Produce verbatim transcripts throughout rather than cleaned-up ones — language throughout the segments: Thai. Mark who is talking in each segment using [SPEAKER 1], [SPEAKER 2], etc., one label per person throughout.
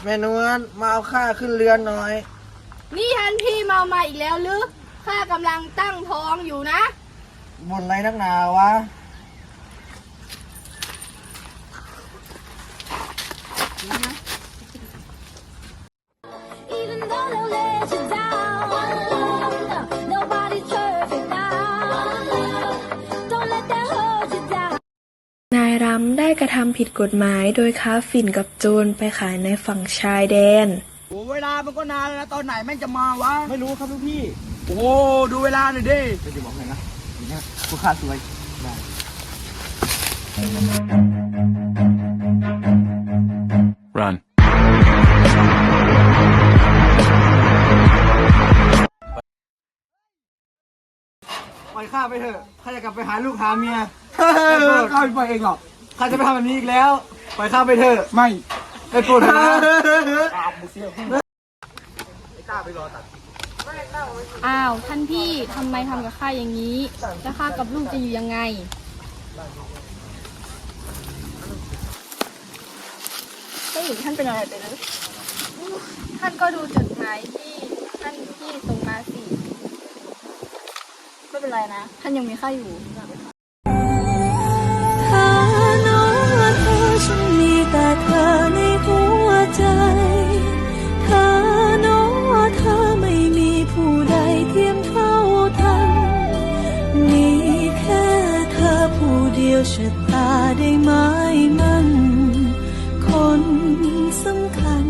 [SPEAKER 1] ม่นวลมาเอาข้าขึ้นเรือนหน่อย
[SPEAKER 2] นี่ท่านพี่เมามาอีกแล้วหรือข้ากำลังตั้งท้องอยู่นะ
[SPEAKER 1] บ่นอะไรนักหนาวะ
[SPEAKER 3] นายรำได้กระทำผิดกฎหมายโดยค้าฝิ่นกับโจรไปขายในฝั่งชายแดน
[SPEAKER 1] โอ้เวลามันก็นานแล้วตอนไหนแม่งจะมาวะไม่รู้ครับลูกพี่โอ้ดูเวลาหน่อยดิจะบอกให้นะนี่นะพวกข้าสวยได้
[SPEAKER 4] Run
[SPEAKER 1] ปล่อยข้าไปเถอะข้าจะกลับไปหาลูกหาเมียข้าไม่ปล่อยเองหรอกข้าจะไม่ทำแบบนี้อีกแล้วปล่อยข้าไปเถอะไม่ไอ้ปวดหัว
[SPEAKER 2] อ้าวท่านพี่ทำไมทำกับข้าอย่างนี้แล้วข้ากับลูกจะอยู่ยังไงไม่เห็นท่านเป็นอะไรไปเลยท่านก็ดูจดหมายที่ท่านพี่ส่งมาสิไม่เป็นไรนะท่านยังมีข้าอยู่
[SPEAKER 3] เธอโน้เธอฉันมีแต่เธอในหัวใจเธอโน้เธอไม่มีผู้ใดเทียมเท่าทันมีแค่เธอผู้เดียวชะตาได้ไหมมันคนสำคัญ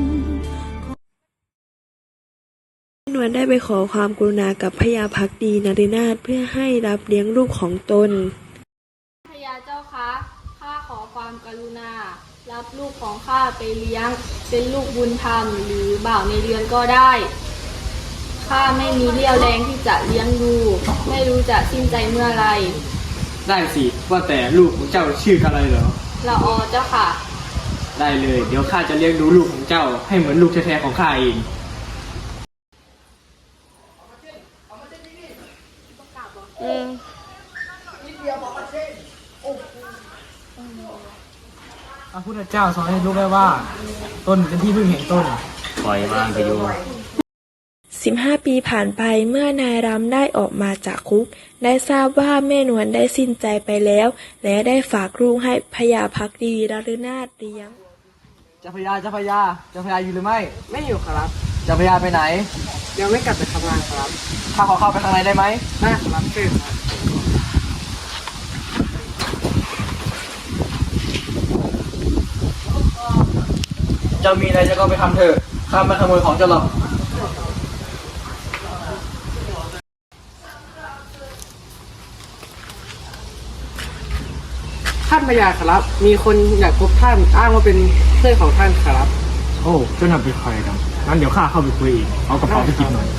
[SPEAKER 3] นวลได้ไปขอความกรุณากับพญาภักดีนรินาถเพื่อให้รับเลี้ยงลูกของตน
[SPEAKER 2] พญาเจ้าคะข้าขอความกรุณารับลูกของข้าไปเลี้ยงเป็นลูกบุญธรรมหรือบ่าวในเรือนก็ได้ข้าไม่มีเรี่ยวแรงที่จะเลี้ยงดูไม่รู้จะสิ้นใจเมื่อไร
[SPEAKER 5] ได้สิว่าแต่ลูกของเจ้าชื่ออะไรเหรอ
[SPEAKER 2] ละออเจ้าค่ะ
[SPEAKER 5] ได้เลยเดี๋ยวข้าจะเลี้ยงดูลูกของเจ้าให้เหมือนลูกแท้ๆของข้าเอง
[SPEAKER 2] อืม
[SPEAKER 1] พระพุทธเจ้าสอนให้รู้ไว้ว่าตนเป็นที่พึ่งแห่งตน
[SPEAKER 4] ปล่อยว่างไปอยู่
[SPEAKER 3] สิบห้าปีผ่านไปเมื่อนายรำได้ออกมาจากคุกได้ทราบว่าแม่นวลได้สิ้นใจไปแล้วและได้ฝากลูกให้พญาภักดีนฤนาถเลี้ยง
[SPEAKER 1] เจ้าพญาเจ้าพญาเจ้าพญาอยู่หรือไม่
[SPEAKER 5] ไม่อยู่ครับ
[SPEAKER 1] เจ้าพญาไปไหน
[SPEAKER 5] ยังไม่กลับไปทำงานครับ
[SPEAKER 1] ข้าขอเข้าไปข้างในได้ไหม
[SPEAKER 5] ได้ครับเชิญครับ
[SPEAKER 1] เจ้ามีอะไรจะก็ไปทำเถอะข้าไม่ขโมยของเจ้าหรอก
[SPEAKER 5] ท่านพญาครับมีคนอยากพบท่านอ้างว่าเป็นเพื่อนของท่านครับ
[SPEAKER 4] โอ้เจ้าหน้าเป็นใครกันงั้นเดี๋ยวข้าเข้าไปคุยอีกเอากระเป๋าไปกินหน่อย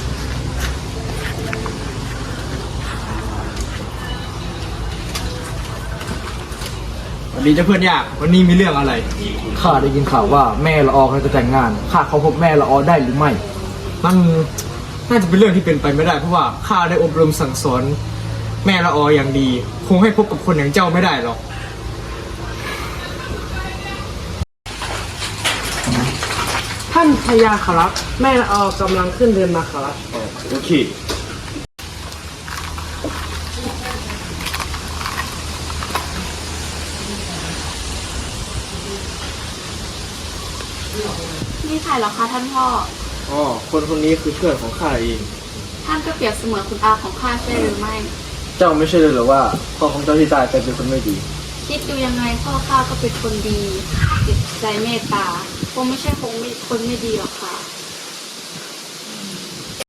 [SPEAKER 1] วันนี้เจ้าเพื่อนยากวันนี้มีเรื่องอะไรข้าได้ยินข่าวว่าแม่ละออเขาจะแต่งงานข้าเขาพบแม่ละออได้หรือไม่นั่นน่าจะเป็นเรื่องที่เป็นไปไม่ได้เพราะว่าข้าได้อบรมสั่งสอนแม่ละอออย่างดีคงให้พบกับคนอย่างเจ้าไม่ได้หรอก
[SPEAKER 5] ท่านพญาครับแม่ละออกำลังขึ้นเรือนมาครับ
[SPEAKER 4] โอเค
[SPEAKER 2] นี่ใครเหรอคะท่านพ่อ
[SPEAKER 1] อ๋อคนคนนี้คือเพื่อนของข้าเอง
[SPEAKER 2] ท่านก็เปรียบเสมือนคุณอาของข้าใช่หรือไม่
[SPEAKER 1] เจ้าไม่ใช่เลยหรือว่าพ่อของเจ้าที่ตายไปเป็นคนไม่ดี
[SPEAKER 2] คิดดูยังไงพ่อข้าก็เป็นคนดีจิตใจเมตตาคงไม่ใช่คงไม่คนไม่ดีหรอก